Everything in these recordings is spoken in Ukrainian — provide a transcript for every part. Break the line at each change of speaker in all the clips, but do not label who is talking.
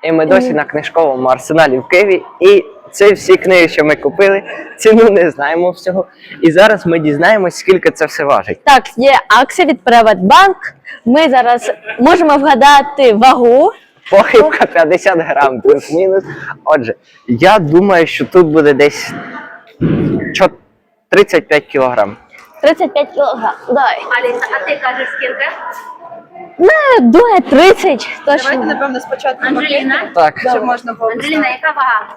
І ми досі на книжковому арсеналі в Києві. І це всі книги, що ми купили, ціну не знаємо всього. І зараз ми дізнаємось, скільки це все важить.
Так, є акція від Приватбанк. Ми зараз можемо вгадати вагу.
Похибка 50 грам плюс-мінус. Отже, я думаю, що тут буде десь 35 кілограм.
35 кг. Дай.
Аліса, а ти кажеш скільки?
Не, думаю, 30.
Давайте,
Точно.
напевно, спочатку
Анжеліна?
Так,
щоб можна було
Анжеліна, яка вага?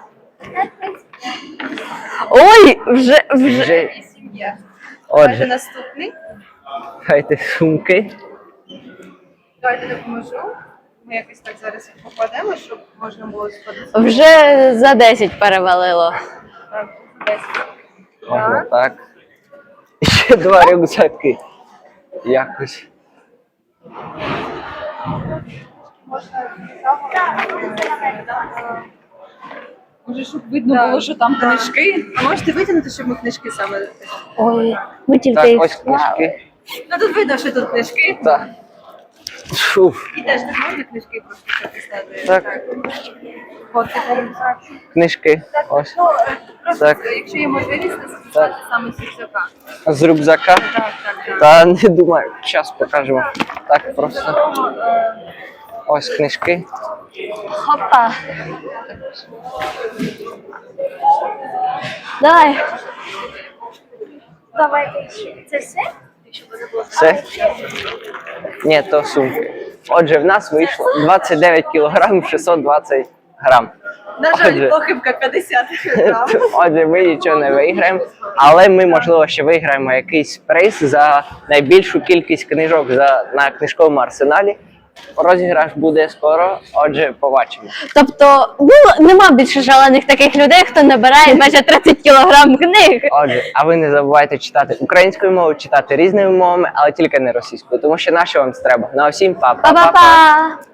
Ой, вже.
вже.
сім'я. Давайте
Отже,
наступний.
хайте сумки.
Давайте допоможу. Ми якось так зараз їх покладемо, щоб можна було сходити.
Вже за 10 перевалило.
Так, 10.
Можна так. І ще 2 рюкзаки. Якось.
Можна
Може, щоб видно було, що там книжки.
А можете витягнути, щоб ми книжки саме.
Ой, ми тільки
Так,
їх
ось
склали.
книжки.
Ну тут видно, що тут книжки.
Так. Фуф.
І теж тут можна книжки просто записати.
Так.
От такий рюкзак.
Книжки. Ось.
Ну, просто,
Так.
якщо є можливість, то записати саме з рюкзака.
З рюкзака.
Так, так.
Та не думаю, зараз покажемо. Так, просто.
Тому,
Ось книжки.
Хопа. Дай.
Давайте це все?
Все? Ні, то сумки. Отже, в нас вийшло 29 кілограм 620 грам.
на жаль,
Отже.
похибка 50 грам.
Отже, ми нічого не виграємо, але ми, можливо, ще виграємо якийсь приз за найбільшу кількість книжок на книжковому арсеналі. Розіграш буде скоро, отже, побачимо.
Тобто, ну, нема більше шалених таких людей, хто набирає майже 30 кілограм книг.
Отже, а ви не забувайте читати українською мовою, читати різними мовами, але тільки не російською, тому що на що вам це треба. Ну а всім па-па-па-па!
Па-па-па!